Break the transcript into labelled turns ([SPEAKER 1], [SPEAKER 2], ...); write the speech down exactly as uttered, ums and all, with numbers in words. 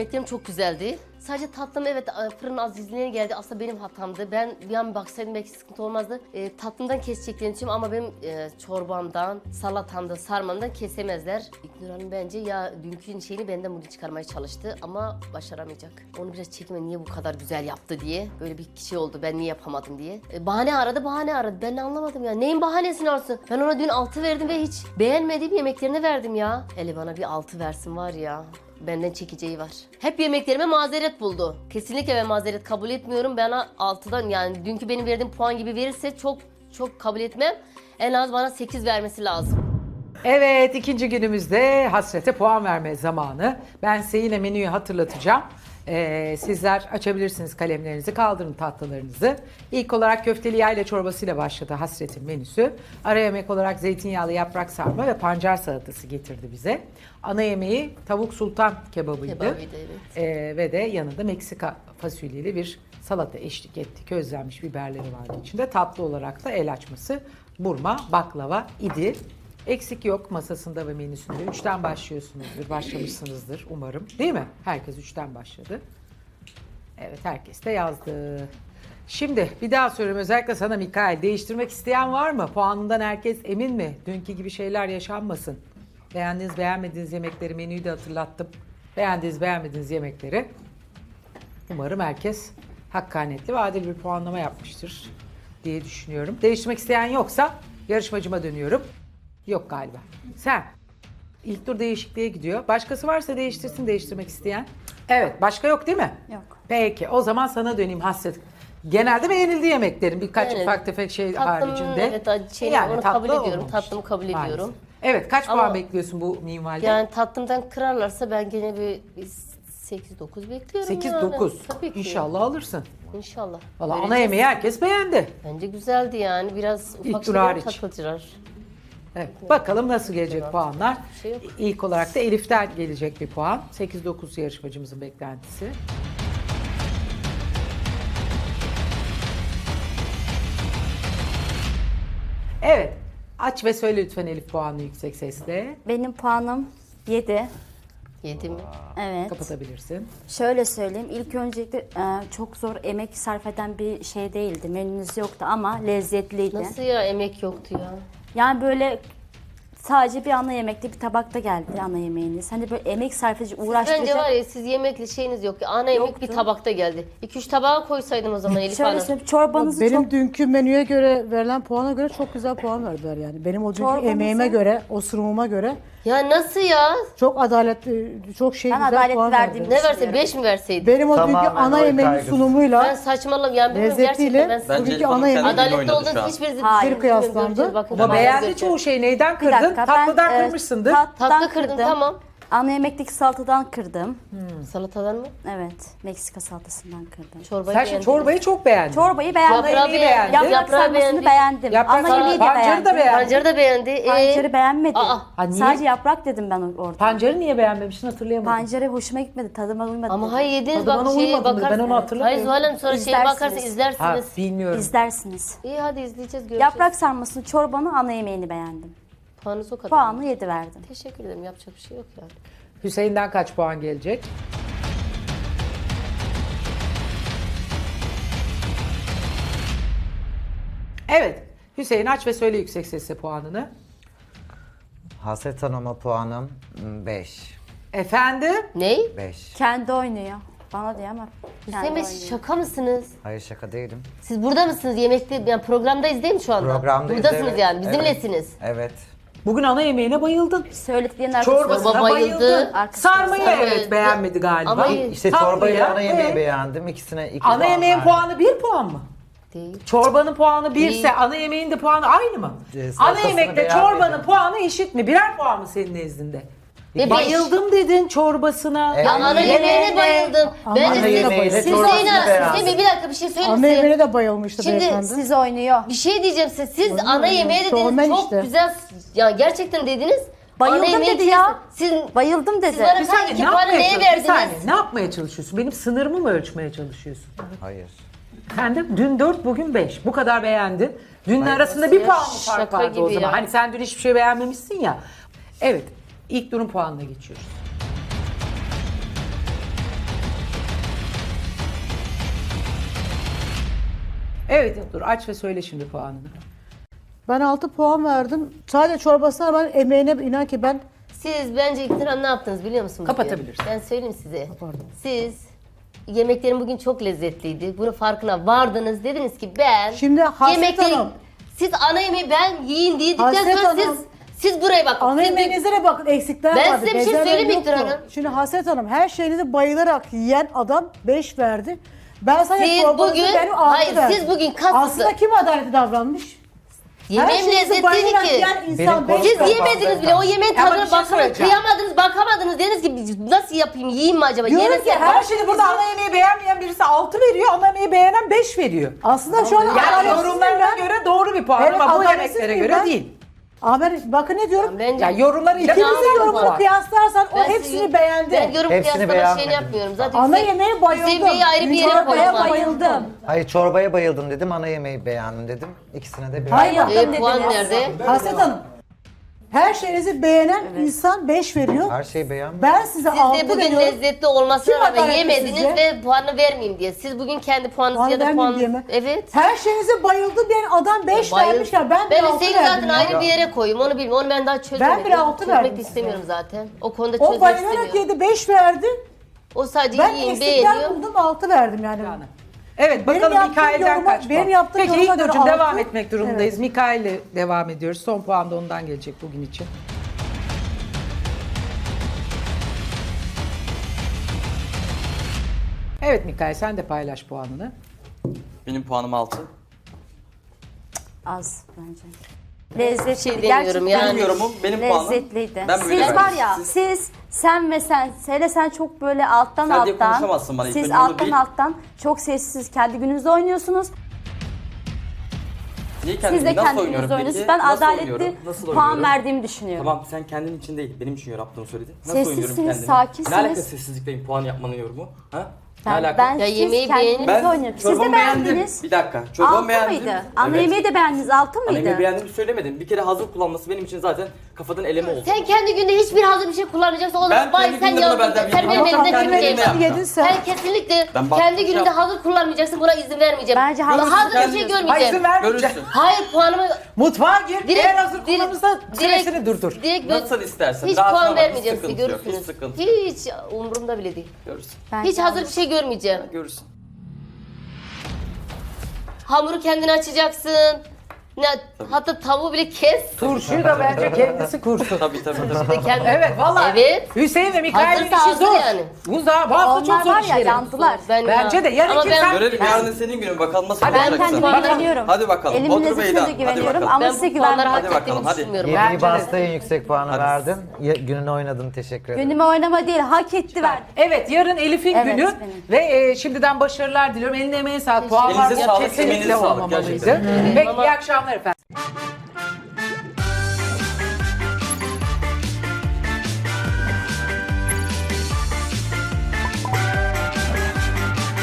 [SPEAKER 1] Yemeklerim çok güzeldi. Sadece tatlım evet fırın az izleyene geldi. Aslında benim hatamdı. Ben bir an baksaydım belki sıkıntı olmazdı. E, tatlımdan keseceklerini için ama benim e, çorbamdan, salatamdan, sarmamdan kesemezler. İknur Hanım bence ya dünkü şeyini benden bunu çıkarmaya çalıştı ama başaramayacak. Onu biraz çekime niye bu kadar güzel yaptı diye. Böyle bir şey oldu ben niye yapamadım diye. E, bahane aradı bahane aradı. Ben anlamadım ya. Neyin bahanesini arsın? Ben ona dün altı verdim ve hiç beğenmediğim yemeklerini verdim ya. Eli bana bir altı versin var ya. Benden çekeceği var. Hep yemeklerime mazeret buldu. Kesinlikle ben mazeret kabul etmiyorum. Bana altıdan yani dünkü benim verdiğim puan gibi verirse çok çok kabul etmem. En az bana sekiz vermesi lazım.
[SPEAKER 2] Evet, ikinci günümüzde Hasret'e puan verme zamanı. Ben size yine menüyü hatırlatacağım. Ee, sizler açabilirsiniz kalemlerinizi, kaldırın tahtalarınızı. İlk olarak köfteli yayla çorbasıyla başladı Hasret'in menüsü. Ara yemek olarak zeytinyağlı yaprak sarma ve pancar salatası getirdi bize. Ana yemeği tavuk sultan kebabıydı.
[SPEAKER 1] Kebabıydı, evet.
[SPEAKER 2] Ee, ve de yanında Meksika fasulyeli bir salata eşlik etti. Közlenmiş biberleri vardı içinde. Tatlı olarak da el açması burma, baklava idi. Eksik yok masasında ve menüsünde. Üçten başlıyorsunuzdur, başlamışsınızdır umarım. Değil mi? Herkes üçten başladı. Evet, herkes de yazdı. Şimdi bir daha soruyorum özellikle sana Mikail. Değiştirmek isteyen var mı? Puanından herkes emin mi? Dünkü gibi şeyler yaşanmasın. Beğendiğiniz, beğenmediğiniz yemekleri, menüyü de hatırlattım. Beğendiğiniz, beğenmediğiniz yemekleri. Umarım herkes hakkaniyetli ve adil bir puanlama yapmıştır diye düşünüyorum. Değiştirmek isteyen yoksa yarışmacıma dönüyorum. Yok galiba. Sen. İlk tur değişikliğe gidiyor. Başkası varsa değiştirsin değiştirmek isteyen. Evet. Başka yok değil mi?
[SPEAKER 3] Yok.
[SPEAKER 2] Peki. O zaman sana döneyim Hasret. Genelde beğenildi yemeklerin. Birkaç
[SPEAKER 1] Evet.
[SPEAKER 2] ufak tefek şey
[SPEAKER 1] Tatlım,
[SPEAKER 2] haricinde.
[SPEAKER 1] evet, şey, onu
[SPEAKER 2] tatlı
[SPEAKER 1] kabul ediyorum.
[SPEAKER 2] olmamış.
[SPEAKER 1] Tatlımı kabul
[SPEAKER 2] Maalesef.
[SPEAKER 1] ediyorum.
[SPEAKER 2] Evet. Kaç
[SPEAKER 1] Ama-
[SPEAKER 2] puan bekliyorsun bu minvalde?
[SPEAKER 1] Yani tatlımdan kırarlarsa ben gene bir, bir sekiz dokuz bekliyorum
[SPEAKER 2] sekiz
[SPEAKER 1] yani.
[SPEAKER 2] dokuz.
[SPEAKER 1] Tabii ki.
[SPEAKER 2] İnşallah alırsın.
[SPEAKER 1] İnşallah.
[SPEAKER 2] Valla ana
[SPEAKER 1] Vereceğiz.
[SPEAKER 2] yemeği herkes beğendi.
[SPEAKER 1] Bence güzeldi yani. Biraz
[SPEAKER 2] İlk
[SPEAKER 1] ufak
[SPEAKER 2] tur
[SPEAKER 1] şeyler
[SPEAKER 2] hariç.
[SPEAKER 1] takıltılar.
[SPEAKER 2] Evet. Bakalım nasıl gelecek puanlar.
[SPEAKER 1] Bir şey yok.
[SPEAKER 2] İlk olarak da Elif'ten gelecek bir puan. sekiz dokuz yarışmacımızın beklentisi. Evet. Aç ve söyle lütfen Elif puanını yüksek sesle.
[SPEAKER 3] Benim puanım yedi.
[SPEAKER 1] Yedi mi?
[SPEAKER 3] Evet.
[SPEAKER 2] Kapatabilirsin.
[SPEAKER 3] Şöyle söyleyeyim. İlk öncelikle e, çok zor emek sarf eden bir şey değildi. Menünüz yoktu ama lezzetliydi.
[SPEAKER 1] Nasıl ya emek yoktu ya?
[SPEAKER 3] Yani böyle sadece bir ana yemekte bir tabakta geldi ana yemeğiniz. Hani böyle emek sarf edici,
[SPEAKER 1] Bence
[SPEAKER 3] uğraştırıcı.
[SPEAKER 1] var ya siz yemekli şeyiniz yok. Ana yemek
[SPEAKER 3] Yoktu.
[SPEAKER 1] bir tabakta geldi. iki üç tabağa koysaydım o zaman Elif
[SPEAKER 3] Şöyle
[SPEAKER 1] Hanım.
[SPEAKER 3] söyleyeyim. Çorbanızı
[SPEAKER 4] Benim
[SPEAKER 3] çok...
[SPEAKER 4] dünkü menüye göre verilen puana göre çok güzel puan verdiler yani. Benim o dünkü
[SPEAKER 3] Çorbanızı-
[SPEAKER 4] emeğime göre, o sunumuma göre
[SPEAKER 1] Ya nasıl ya?
[SPEAKER 4] çok adaletli, çok şey
[SPEAKER 3] Ben
[SPEAKER 4] güzel
[SPEAKER 3] adaletli
[SPEAKER 4] puan
[SPEAKER 3] verdiğimi
[SPEAKER 4] verdiler.
[SPEAKER 1] Ne verse
[SPEAKER 3] düşünüyorum.
[SPEAKER 1] beş mi verseydi?
[SPEAKER 4] Benim o dünkü
[SPEAKER 5] Tamamen
[SPEAKER 4] ana
[SPEAKER 5] oy
[SPEAKER 4] yemeğin
[SPEAKER 5] kaygısı.
[SPEAKER 1] Ben
[SPEAKER 4] sunumuyla,
[SPEAKER 1] saçmalam yani bilmiyorum
[SPEAKER 4] lezzetiyle
[SPEAKER 1] gerçekten ben
[SPEAKER 5] Bence
[SPEAKER 4] bugünkü
[SPEAKER 5] Elif Hanım
[SPEAKER 4] ana yemeğin
[SPEAKER 5] kendini
[SPEAKER 1] adaletli
[SPEAKER 5] oynadı
[SPEAKER 1] olduğunuz
[SPEAKER 5] şu an.
[SPEAKER 1] hiçbir
[SPEAKER 3] Hayır.
[SPEAKER 4] bir kıyaslandı.
[SPEAKER 1] Göreceğiz, bakın.
[SPEAKER 2] Ama
[SPEAKER 1] Tamam,
[SPEAKER 2] beğendi
[SPEAKER 1] göreceğiz.
[SPEAKER 2] çoğu şeyi. Neyden
[SPEAKER 3] Bir
[SPEAKER 2] kırdın?
[SPEAKER 3] dakika, ben,
[SPEAKER 2] Tatlıdan
[SPEAKER 3] e,
[SPEAKER 2] kırmışsındır.
[SPEAKER 3] tatlıdan
[SPEAKER 1] Tatlı kırdın,
[SPEAKER 3] kırdım.
[SPEAKER 1] tamam.
[SPEAKER 3] Ana yemekteki salatadan kırdım.
[SPEAKER 1] Salatadan mı?
[SPEAKER 3] Evet. Meksika salatasından kırdım.
[SPEAKER 1] Çorbayı
[SPEAKER 2] Sen şimdi
[SPEAKER 1] beğendim.
[SPEAKER 2] çorbayı çok beğendin.
[SPEAKER 3] Çorbayı beğendim.
[SPEAKER 1] Yaprağı
[SPEAKER 2] yemeği beğendin.
[SPEAKER 3] Yaprak
[SPEAKER 1] Yaprağı
[SPEAKER 3] sarmasını
[SPEAKER 1] beğendim.
[SPEAKER 3] beğendim.
[SPEAKER 2] Yaprak
[SPEAKER 3] Ana
[SPEAKER 2] sarma-
[SPEAKER 3] yemeği de
[SPEAKER 2] pancarı
[SPEAKER 3] beğendim.
[SPEAKER 2] da beğendim.
[SPEAKER 1] Pancarı da beğendi. Ee,
[SPEAKER 3] Pancarı beğenmedim.
[SPEAKER 1] Aa,
[SPEAKER 2] ha, niye?
[SPEAKER 3] Sadece yaprak dedim ben orada.
[SPEAKER 2] Pancarı niye beğenmemişsin hatırlayamadım.
[SPEAKER 3] Pancarı hoşuma gitmedi. Tadıma uymadı.
[SPEAKER 1] Ama
[SPEAKER 3] dedim.
[SPEAKER 1] hayır yediniz
[SPEAKER 2] Tadı bana
[SPEAKER 1] bak şeye
[SPEAKER 2] uymadı mı? Ben
[SPEAKER 1] bakarsınız.
[SPEAKER 2] onu hatırlamıyorum.
[SPEAKER 1] Hayır Zuhal Hanım sonra şeye
[SPEAKER 3] İzlersiniz.
[SPEAKER 1] bakarsa
[SPEAKER 2] Ha,
[SPEAKER 1] izlersiniz.
[SPEAKER 2] bilmiyorum.
[SPEAKER 3] İzlersiniz.
[SPEAKER 1] İyi hadi izleyeceğiz göreceğiz.
[SPEAKER 3] Yaprak sarmasını, çorbanı, ana yemeğini beğendim.
[SPEAKER 1] Puanınız o kadar.
[SPEAKER 3] Puanı yedi verdim.
[SPEAKER 1] Teşekkür ederim yapacak bir şey yok yani.
[SPEAKER 2] Hüseyin'den kaç puan gelecek? Evet. Hüseyin aç ve söyle yüksek sesle puanını.
[SPEAKER 5] Hasret Hanım'a puanım beş.
[SPEAKER 2] Efendim?
[SPEAKER 1] Ney?
[SPEAKER 5] beş.
[SPEAKER 3] Kendi oynuyor. Bana diyor ama kendi
[SPEAKER 1] Hüseyin Bey
[SPEAKER 3] oynuyor.
[SPEAKER 1] şaka mısınız?
[SPEAKER 5] Hayır şaka değilim.
[SPEAKER 1] Siz burada mısınız? Yemekte yani programdayız değil mi şu anda?
[SPEAKER 5] Programdayız.
[SPEAKER 1] Buradasınız
[SPEAKER 5] evet.
[SPEAKER 1] yani bizimlesiniz.
[SPEAKER 5] Evet. evet.
[SPEAKER 2] Bugün ana yemeğine bayıldın.
[SPEAKER 3] Söylediklerinin arkasında.
[SPEAKER 2] Çorbasına
[SPEAKER 1] Çorba bayıldı.
[SPEAKER 2] bayıldın.
[SPEAKER 3] Arkasında
[SPEAKER 2] Sarmayı
[SPEAKER 1] sarma
[SPEAKER 2] evet
[SPEAKER 1] bayıldı.
[SPEAKER 2] beğenmedi galiba.
[SPEAKER 1] Ama
[SPEAKER 5] İşte
[SPEAKER 2] Tatlıya,
[SPEAKER 5] çorbayı ana yemeği
[SPEAKER 2] evet.
[SPEAKER 5] beğendim. İkisine iki
[SPEAKER 2] Ana
[SPEAKER 5] puan
[SPEAKER 2] yemeğin
[SPEAKER 5] verdim.
[SPEAKER 2] puanı bir puan mı?
[SPEAKER 1] Değil.
[SPEAKER 2] Çorbanın puanı birse
[SPEAKER 1] Değil.
[SPEAKER 2] ana yemeğin de puanı aynı mı?
[SPEAKER 5] Ee,
[SPEAKER 2] Ana
[SPEAKER 5] salatasını
[SPEAKER 2] yemekte
[SPEAKER 5] beğenmedim.
[SPEAKER 2] çorbanın puanı eşit mi? Birer puan mı senin nezdinde?
[SPEAKER 1] Ve
[SPEAKER 2] Bayıldım dedin çorbasına.
[SPEAKER 5] Evet.
[SPEAKER 1] Ya ana yemeğine bayıldım.
[SPEAKER 4] Ana
[SPEAKER 1] Bence siz,
[SPEAKER 5] yemeğine
[SPEAKER 1] siz
[SPEAKER 5] çorbasını
[SPEAKER 1] Hüseyin Hanım,
[SPEAKER 5] beğendim.
[SPEAKER 1] Hüseyin Bey bir dakika bir şey söyleyeyim
[SPEAKER 4] ana
[SPEAKER 1] size.
[SPEAKER 4] yemeğine de bayılmıştı
[SPEAKER 1] Şimdi
[SPEAKER 4] beyefendi.
[SPEAKER 3] Siz oynuyor.
[SPEAKER 1] Bir şey diyeceğim size. Siz ana yemeğe dediniz
[SPEAKER 4] Şovmen
[SPEAKER 1] çok
[SPEAKER 4] işte.
[SPEAKER 1] güzel. Ya gerçekten dediniz.
[SPEAKER 3] Bayıldım
[SPEAKER 1] ana yemeği
[SPEAKER 3] dedi ya.
[SPEAKER 1] Siz
[SPEAKER 3] Bayıldım dedi.
[SPEAKER 1] Siz bana
[SPEAKER 2] Bir
[SPEAKER 1] kaç
[SPEAKER 2] saniye
[SPEAKER 1] iki
[SPEAKER 2] ne
[SPEAKER 1] puanı
[SPEAKER 2] yapmaya
[SPEAKER 1] neye
[SPEAKER 2] çalışıyorsun? Bir saniye
[SPEAKER 1] verdiniz?
[SPEAKER 2] ne yapmaya çalışıyorsun? Benim sınırımı mı ölçmeye çalışıyorsun?
[SPEAKER 5] Hayır.
[SPEAKER 2] Sen de dün dört bugün beş. Bu kadar beğendin. Dünle
[SPEAKER 5] Hayır,
[SPEAKER 2] arasında
[SPEAKER 1] nasıl
[SPEAKER 2] bir
[SPEAKER 1] ya?
[SPEAKER 2] puan mı fark
[SPEAKER 1] Şaka
[SPEAKER 2] vardı o
[SPEAKER 1] gibi
[SPEAKER 2] zaman?
[SPEAKER 1] ya.
[SPEAKER 2] Hani sen dün hiçbir şey beğenmemişsin ya. Evet. İlk durum puanına geçiyoruz. Evet dur aç ve söyle şimdi puanını.
[SPEAKER 4] Ben altı puan verdim. Sadece çorbasına ben emeğine inan ki ben
[SPEAKER 1] Siz bence İktiran ne yaptınız biliyor musunuz?
[SPEAKER 2] Kapatabilirsin.
[SPEAKER 1] Ben söyleyeyim size.
[SPEAKER 4] Kapardım.
[SPEAKER 1] Siz yemeklerin bugün çok lezzetliydi. Bunun farkına vardınız. Dediniz ki ben
[SPEAKER 4] Şimdi Hasret Hanım.
[SPEAKER 1] siz ana yemeği ben yiyin dedikten
[SPEAKER 4] Hasret
[SPEAKER 1] sonra
[SPEAKER 4] Hanım.
[SPEAKER 1] siz siz buraya bakın.
[SPEAKER 4] ana
[SPEAKER 1] Siz-
[SPEAKER 4] yemeğinize de bakın eksikler
[SPEAKER 1] Ben
[SPEAKER 4] vardı.
[SPEAKER 1] size bir şey
[SPEAKER 4] bezelye
[SPEAKER 1] söyleyeyim
[SPEAKER 4] yoktu.
[SPEAKER 1] İktir Hanım.
[SPEAKER 4] Şimdi Hasret Hanım her şeyinizi bayılarak yiyen adam beş verdi. Ben sadece
[SPEAKER 1] Siz
[SPEAKER 4] çorbanızı
[SPEAKER 1] bugün-
[SPEAKER 4] benim altı
[SPEAKER 1] hayır,
[SPEAKER 4] verdim.
[SPEAKER 1] siz bugün kasıtlı-
[SPEAKER 4] Aslında kim adaletli davranmış?
[SPEAKER 1] Yemeğim
[SPEAKER 4] Her şeyinizi
[SPEAKER 1] lezzetliydi
[SPEAKER 4] bayılarak
[SPEAKER 1] ki.
[SPEAKER 4] yiyen
[SPEAKER 5] Benim
[SPEAKER 4] insan beş
[SPEAKER 5] konuşmam
[SPEAKER 1] Siz
[SPEAKER 4] verdi.
[SPEAKER 1] yemediniz bile o yemeğin
[SPEAKER 2] Ama bir
[SPEAKER 1] tadına
[SPEAKER 2] şey
[SPEAKER 1] bakamadınız,
[SPEAKER 2] söyleyeceğim.
[SPEAKER 1] kıyamadınız, bakamadınız. Dediniz ki nasıl yapayım, yiyeyim mi acaba?
[SPEAKER 4] Diyorum
[SPEAKER 1] Yemesem
[SPEAKER 4] ki
[SPEAKER 1] mi?
[SPEAKER 2] Her şeyi burada ana yemeği beğenmeyen birisi altı veriyor, ana yemeği beğenen beş veriyor.
[SPEAKER 4] Aslında şu an
[SPEAKER 2] Yani
[SPEAKER 4] adaletsiz
[SPEAKER 2] yorumlarına
[SPEAKER 4] ben.
[SPEAKER 2] göre doğru bir puan
[SPEAKER 4] Evet,
[SPEAKER 2] ama bu
[SPEAKER 4] adaletsiz
[SPEAKER 2] yemeklere
[SPEAKER 4] miyim
[SPEAKER 2] göre
[SPEAKER 4] ben?
[SPEAKER 2] değil.
[SPEAKER 4] Ama ben bakın ne diyorum?
[SPEAKER 1] Bence
[SPEAKER 2] Yani yorumlarıyla
[SPEAKER 4] İkinizin
[SPEAKER 2] puan.
[SPEAKER 4] yorumunu kıyaslarsan o
[SPEAKER 1] Ben
[SPEAKER 4] hepsini
[SPEAKER 1] sizin-
[SPEAKER 4] beğendi.
[SPEAKER 1] Ben yorum
[SPEAKER 5] Hepsini
[SPEAKER 1] kıyaslama
[SPEAKER 5] beğenmedim.
[SPEAKER 1] şeyini yapmıyorum. Zaten
[SPEAKER 4] Ana
[SPEAKER 1] Hüseyin-
[SPEAKER 4] yemeğe bayıldım.
[SPEAKER 1] Hüseyin Bey'i ayrı bir yere
[SPEAKER 4] Çorbaya
[SPEAKER 1] koydum.
[SPEAKER 4] bayıldım.
[SPEAKER 5] Hayır çorbaya bayıldım dedim, ana yemeği beğendim dedim. İkisine de bir.
[SPEAKER 4] Hayır.
[SPEAKER 1] E, puan nerede?
[SPEAKER 4] Hasret Hanım. Her şeyinizi beğenen insan beş veriyor.
[SPEAKER 5] Her şeyi beğenmedim.
[SPEAKER 4] Ben size
[SPEAKER 1] Siz
[SPEAKER 4] altı
[SPEAKER 1] de bugün
[SPEAKER 4] veriyorum.
[SPEAKER 1] lezzetli olmasına
[SPEAKER 4] Kim
[SPEAKER 1] rağmen
[SPEAKER 4] adaletli
[SPEAKER 1] yemediniz
[SPEAKER 4] sizce?
[SPEAKER 1] ve puanı vermeyeyim diye. Siz bugün kendi puanınızı
[SPEAKER 4] Puan
[SPEAKER 1] ya da
[SPEAKER 4] vermeyeyim diye
[SPEAKER 1] puanınızı...
[SPEAKER 4] mi?
[SPEAKER 1] Evet.
[SPEAKER 4] Her şeyinize bayıldım diyen adam beş
[SPEAKER 1] Bayıl-
[SPEAKER 4] vermiş ya ben,
[SPEAKER 1] ben
[SPEAKER 4] bir altı
[SPEAKER 1] Hüseyin'i
[SPEAKER 4] verdim
[SPEAKER 1] zaten
[SPEAKER 4] ya.
[SPEAKER 1] ayrı bir yere koyayım. Onu bilmiyorum. Onu ben daha çözemedim.
[SPEAKER 4] Ben bir altı
[SPEAKER 1] Çözmek
[SPEAKER 4] verdim
[SPEAKER 1] de
[SPEAKER 4] size.
[SPEAKER 1] istemiyorum zaten. O konuda
[SPEAKER 4] O
[SPEAKER 1] çözmek
[SPEAKER 4] bayılarak
[SPEAKER 1] istemiyorum.
[SPEAKER 4] yedi beş verdi.
[SPEAKER 1] O sadece
[SPEAKER 4] Ben
[SPEAKER 1] yiyin,
[SPEAKER 4] eksikler
[SPEAKER 1] beğeniyor.
[SPEAKER 4] buldum altı verdim yani.
[SPEAKER 2] Evet
[SPEAKER 4] Benim
[SPEAKER 2] bakalım
[SPEAKER 4] yaptığım
[SPEAKER 2] Mikail'den
[SPEAKER 4] yoruma-
[SPEAKER 2] kaç
[SPEAKER 4] benim
[SPEAKER 2] puan?
[SPEAKER 4] yaptığım
[SPEAKER 2] Peki
[SPEAKER 4] yoruma
[SPEAKER 2] İlknur'cum
[SPEAKER 4] göre
[SPEAKER 2] devam
[SPEAKER 4] altı.
[SPEAKER 2] etmek durumundayız. Mikail'le devam ediyoruz. Son puan da ondan gelecek bugün için. Evet Mikail sen de paylaş puanını.
[SPEAKER 6] Benim puanım altı.
[SPEAKER 3] Az bence. Lezzetliydi.
[SPEAKER 1] şey demiyorum
[SPEAKER 3] Gerçekten
[SPEAKER 1] yani.
[SPEAKER 6] Benim yorumum, benim puanım.
[SPEAKER 3] lezzetliydi.
[SPEAKER 6] Ben böyle
[SPEAKER 3] Siz var
[SPEAKER 6] verdim.
[SPEAKER 3] ya,
[SPEAKER 6] Siz-
[SPEAKER 3] siz, sen ve sen, hele sen çok böyle alttan
[SPEAKER 6] Sen diye
[SPEAKER 3] alttan,
[SPEAKER 6] konuşamazsın bana, ilk
[SPEAKER 3] siz
[SPEAKER 6] önce onu
[SPEAKER 3] alttan
[SPEAKER 6] bil.
[SPEAKER 3] alttan çok sessiz kendi gününüzde oynuyorsunuz.
[SPEAKER 6] Niye
[SPEAKER 3] Siz
[SPEAKER 6] kendimi
[SPEAKER 3] de
[SPEAKER 6] nasıl
[SPEAKER 3] kendi
[SPEAKER 6] oynuyorum
[SPEAKER 3] gününüzde
[SPEAKER 6] peki?
[SPEAKER 3] oynuyorsunuz. Ben
[SPEAKER 6] Nasıl
[SPEAKER 3] adaletli
[SPEAKER 6] oynuyorum? Nasıl
[SPEAKER 3] puan
[SPEAKER 6] oynuyorum?
[SPEAKER 3] verdiğimi düşünüyorum.
[SPEAKER 6] Tamam sen kendin için değil, benim için yaptığını söyledin. Nasıl
[SPEAKER 3] Sessizsiniz,
[SPEAKER 6] oynuyorum kendimi?
[SPEAKER 3] sakinsiniz.
[SPEAKER 6] Ne alaka sessizlikle puan yapmanın yorumu? Ha? Ne
[SPEAKER 3] Ben,
[SPEAKER 6] alaka?
[SPEAKER 3] ben
[SPEAKER 1] Ya
[SPEAKER 3] siz
[SPEAKER 1] yemeği
[SPEAKER 3] kendi
[SPEAKER 1] beğenip-
[SPEAKER 3] gününüzde
[SPEAKER 6] ben
[SPEAKER 3] oynuyorum. Siz de
[SPEAKER 6] çorbamı beğendim.
[SPEAKER 3] beğendiniz.
[SPEAKER 6] Bir dakika. Çorbamı
[SPEAKER 3] Altı
[SPEAKER 6] beğendim.
[SPEAKER 3] mıydı? Ana
[SPEAKER 6] Evet.
[SPEAKER 3] yemeği de beğendiniz. Altı
[SPEAKER 6] Ana
[SPEAKER 3] mıydı?
[SPEAKER 6] yemeği beğendiğimi söylemedim. Bir kere hazır kullanması benim için zaten kafadan eleme oldu.
[SPEAKER 1] Sen kendi günde hiçbir hazır bir şey kullanmayacaksın. O
[SPEAKER 6] Ben
[SPEAKER 1] zaman vay
[SPEAKER 6] kendi
[SPEAKER 1] sen
[SPEAKER 6] günde bunu
[SPEAKER 1] yandın.
[SPEAKER 6] benden
[SPEAKER 1] Sen benim
[SPEAKER 6] bilmiyorum.
[SPEAKER 1] elimde
[SPEAKER 6] Kendi
[SPEAKER 1] tüküreyim.
[SPEAKER 6] günde yaptım.
[SPEAKER 4] Yedin sen.
[SPEAKER 1] Sen kesinlikle
[SPEAKER 6] Ben baktım,
[SPEAKER 1] kendi gününde
[SPEAKER 6] yaptım.
[SPEAKER 1] hazır kullanmayacaksın. Buna izin vermeyeceğim.
[SPEAKER 3] Bence
[SPEAKER 1] Buna
[SPEAKER 3] hazır
[SPEAKER 1] hazır bir şey
[SPEAKER 3] kullanıyorsun.
[SPEAKER 2] Hayır
[SPEAKER 1] görmeyeceğim.
[SPEAKER 2] izin vermeyeceğim.
[SPEAKER 6] Görürsün.
[SPEAKER 1] Hayır puanımı
[SPEAKER 2] Mutfağa gir.
[SPEAKER 1] direkt
[SPEAKER 2] Eğer hazır
[SPEAKER 1] direkt-
[SPEAKER 2] kullanırsa
[SPEAKER 1] direkt-
[SPEAKER 2] süresini durdur.
[SPEAKER 1] Direkt gö-
[SPEAKER 6] Nasıl istersen.
[SPEAKER 1] Hiç
[SPEAKER 6] Rahatına
[SPEAKER 1] puan
[SPEAKER 6] bak,
[SPEAKER 1] vermeyeceğim
[SPEAKER 6] hiç
[SPEAKER 1] size,
[SPEAKER 6] sıkıntı yok,
[SPEAKER 1] görürsünüz.
[SPEAKER 6] Hiç sıkıntı.
[SPEAKER 1] Hiç umurumda bile değil.
[SPEAKER 6] Görürsün.
[SPEAKER 3] Bence
[SPEAKER 1] Hiç hazır bir şey görmeyeceğim.
[SPEAKER 6] Görürsün.
[SPEAKER 1] Hamuru kendin açacaksın. Ne, hatta tavuğu bile kes.
[SPEAKER 2] Turşuyu da bence kendisi kursun.
[SPEAKER 6] Tabii tabii tabii.
[SPEAKER 1] Bir de kendi-
[SPEAKER 2] Evet vallahi.
[SPEAKER 1] Evet.
[SPEAKER 2] Hüseyin ve Mikail'in
[SPEAKER 1] Hazırsa
[SPEAKER 2] işi
[SPEAKER 1] hazır
[SPEAKER 2] zor.
[SPEAKER 1] yani.
[SPEAKER 2] Bu da bu hafta çok
[SPEAKER 3] Onlar
[SPEAKER 2] zor
[SPEAKER 3] var ya
[SPEAKER 2] işleri.
[SPEAKER 3] yandılar.
[SPEAKER 1] Ben
[SPEAKER 2] Bence de. Yarın
[SPEAKER 1] Ama
[SPEAKER 2] kim
[SPEAKER 1] ben-
[SPEAKER 2] sen-
[SPEAKER 6] Görelim yarın senin günün bakalım nasıl
[SPEAKER 2] Hadi
[SPEAKER 3] Ben
[SPEAKER 6] olacaksın.
[SPEAKER 3] kendime
[SPEAKER 2] Bakalım.
[SPEAKER 3] güveniyorum.
[SPEAKER 6] Hadi bakalım.
[SPEAKER 3] Elimin
[SPEAKER 6] Otur
[SPEAKER 3] lezzetine
[SPEAKER 6] Beyda.
[SPEAKER 3] de
[SPEAKER 6] Hadi
[SPEAKER 3] güveniyorum
[SPEAKER 6] bakalım.
[SPEAKER 3] ama
[SPEAKER 1] Ben
[SPEAKER 3] size
[SPEAKER 1] bu puanları
[SPEAKER 3] güvenmiyorum.
[SPEAKER 1] hak
[SPEAKER 6] Hadi bakalım,
[SPEAKER 1] ettiğimi
[SPEAKER 6] hadi.
[SPEAKER 1] düşünmüyorum.
[SPEAKER 5] Yediği
[SPEAKER 2] Bence de.
[SPEAKER 5] basta en yüksek puanı
[SPEAKER 6] Hadi.
[SPEAKER 5] verdin. Ya- Gününü oynadın, teşekkür ederim.
[SPEAKER 3] Günüme oynama değil, hak etti verdi.
[SPEAKER 2] Evet yarın Elif'in
[SPEAKER 3] Evet,
[SPEAKER 2] günü
[SPEAKER 3] benim.
[SPEAKER 2] ve e, şimdiden başarılar diliyorum. Eline emeğe sağlık. Puanlar
[SPEAKER 6] Elinize sağlık,
[SPEAKER 2] kesinlikle
[SPEAKER 6] emeğinize sağlık
[SPEAKER 2] olmamalıydı.
[SPEAKER 6] gerçekten.
[SPEAKER 2] Peki
[SPEAKER 1] Ama-
[SPEAKER 2] iyi akşamlar efendim.